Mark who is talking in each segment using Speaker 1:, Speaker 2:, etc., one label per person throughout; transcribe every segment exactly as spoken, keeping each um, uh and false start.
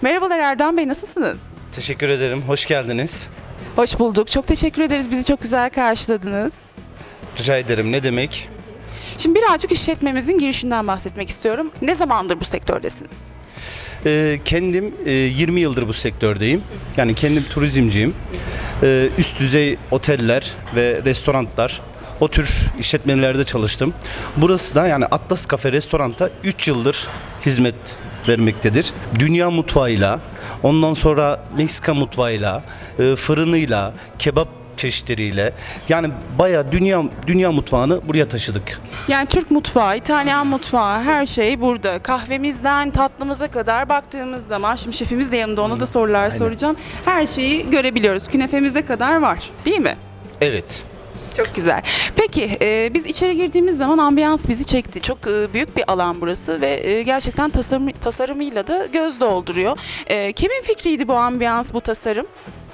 Speaker 1: Merhabalar Erdoğan Bey, nasılsınız?
Speaker 2: Teşekkür ederim. Hoş geldiniz.
Speaker 1: Hoş bulduk. Çok teşekkür ederiz. Bizi çok güzel karşıladınız.
Speaker 2: Rica ederim. Ne demek?
Speaker 1: Şimdi birazcık işletmemizin girişinden bahsetmek istiyorum. Ne zamandır bu sektördesiniz?
Speaker 2: Ee, kendim e, yirmi yıldır bu sektördeyim. Yani kendim turizmciyim. Ee, üst düzey oteller ve restoranlar, o tür işletmelerde çalıştım. Burası da yani Atlas Cafe Restorant'a üç yıldır hizmet vermektedir. Dünya mutfağıyla, ondan sonra Meksika mutfağıyla, e, fırınıyla, kebap çeşitleriyle, yani bayağı dünya dünya mutfağını buraya taşıdık.
Speaker 1: Yani Türk mutfağı, İtalyan mutfağı, her şey burada. Kahvemizden tatlımıza kadar baktığımız zaman, şimdi şefimiz de yanında, ona da sorular soracağım. Her şeyi görebiliyoruz. Künefemize kadar var, değil mi?
Speaker 2: Evet.
Speaker 1: Çok güzel. Peki e, biz içeri girdiğimiz zaman ambiyans bizi çekti. Çok e, büyük bir alan burası ve e, gerçekten tasarım, tasarımıyla da göz dolduruyor. E, kimin fikriydi bu ambiyans, bu tasarım?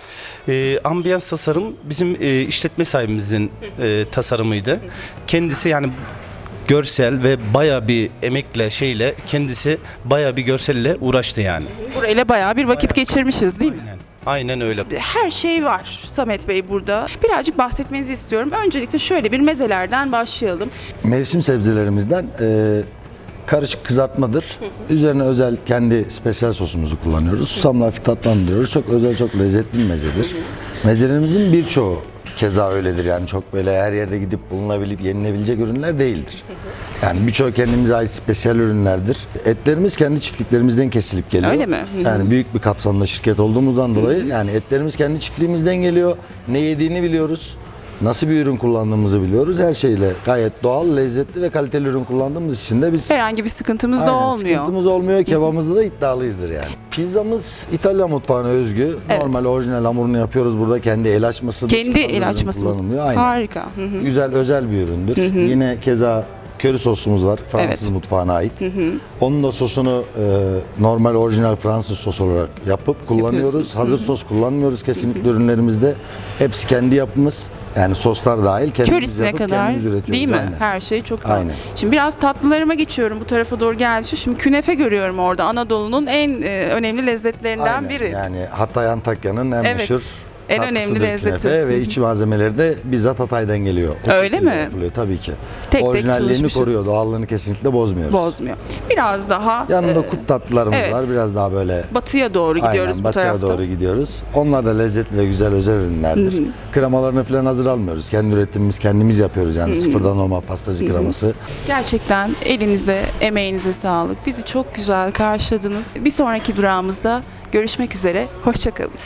Speaker 2: E, ambiyans tasarım bizim e, işletme sahibimizin e, tasarımıydı. Kendisi yani görsel ve baya bir emekle şeyle kendisi baya bir görselle uğraştı yani.
Speaker 1: Burayla bayağı bir vakit geçirmişiz, değil mi?
Speaker 2: Aynen, aynen öyle.
Speaker 1: Her şey var Samet Bey burada. Birazcık bahsetmenizi istiyorum. Öncelikle şöyle bir mezelerden başlayalım.
Speaker 3: Mevsim sebzelerimizden e, karışık kızartmadır. Üzerine özel kendi spesiyel sosumuzu kullanıyoruz. Susamla hafif tatlandırıyoruz. Çok özel, çok lezzetli bir mezedir. Mezelerimizin birçoğu keza öyledir. Yani çok böyle her yerde gidip bulunabilip yenilebilecek ürünler değildir. Yani birçoğu kendimize ait spesiyel ürünlerdir. Etlerimiz kendi çiftliklerimizden kesilip geliyor.
Speaker 1: Öyle mi? Hı hı.
Speaker 3: Yani büyük bir kapsamda şirket olduğumuzdan dolayı yani etlerimiz kendi çiftliğimizden geliyor. Ne yediğini biliyoruz. Nasıl bir ürün kullandığımızı biliyoruz. Her şeyle gayet doğal, lezzetli ve kaliteli ürün kullandığımız için de biz
Speaker 1: Herhangi bir sıkıntımız da
Speaker 3: aynen,
Speaker 1: olmuyor.
Speaker 3: sıkıntımız olmuyor. Kebabımızda da iddialıyızdır yani. Pizzamız İtalyan mutfağına özgü.
Speaker 1: Evet.
Speaker 3: Normal orijinal hamurunu yapıyoruz burada. Kendi el açması.
Speaker 1: Kendi el açması mı?
Speaker 3: kullanılıyor. Aynen.
Speaker 1: Harika. Hı hı.
Speaker 3: Güzel, özel bir üründür. Yine keza köri sosumuz var. Fransız
Speaker 1: Evet.
Speaker 3: mutfağına ait. Onun da sosunu e, normal orijinal Fransız sos olarak yapıp kullanıyoruz.
Speaker 1: Yapıyorsunuz.
Speaker 3: Hazır sos kullanmıyoruz kesinlikle ürünlerimizde. Hepsi kendi yapımız. Yani soslar dahil kendimiz
Speaker 1: Körisine
Speaker 3: yapıp
Speaker 1: kadar,
Speaker 3: kendimiz üretiyoruz.
Speaker 1: değil mi?
Speaker 3: Aynen.
Speaker 1: Her şey çok doğal.
Speaker 3: Aynen.
Speaker 1: Şimdi biraz tatlılarıma geçiyorum, bu tarafa doğru geldi. Şimdi künefe görüyorum orada. Anadolu'nun en e, önemli lezzetlerinden
Speaker 3: Aynen.
Speaker 1: biri.
Speaker 3: Yani Hatay Antakya'nın en
Speaker 1: Evet.
Speaker 3: meşhur
Speaker 1: En
Speaker 3: tatlısıdır
Speaker 1: önemli lezzeti.
Speaker 3: künefe ve iç malzemeleri de bizzat Hatay'dan geliyor. O
Speaker 1: Öyle
Speaker 3: şekilde
Speaker 1: mi?
Speaker 3: yapılıyor tabii ki.
Speaker 1: Tek tek
Speaker 3: Orijinalliğini
Speaker 1: çalışmışız.
Speaker 3: koruyor, doğallığını kesinlikle bozmuyoruz.
Speaker 1: Bozmuyor. Biraz daha
Speaker 3: Yanında
Speaker 1: e,
Speaker 3: kut tatlılarımız
Speaker 1: evet.
Speaker 3: var. Biraz daha böyle
Speaker 1: batıya doğru gidiyoruz
Speaker 3: aynen,
Speaker 1: bu
Speaker 3: batıya
Speaker 1: tarafta.
Speaker 3: doğru gidiyoruz. Onlar da lezzetli ve güzel özel ürünlerdir. Kremalarını falan hazır almıyoruz. Kendi üretimimiz kendimiz yapıyoruz yani sıfırdan normal pastacı kreması.
Speaker 1: Gerçekten elinize, emeğinize sağlık. Bizi çok güzel karşıladınız. Bir sonraki durağımızda görüşmek üzere. Hoşça kalın.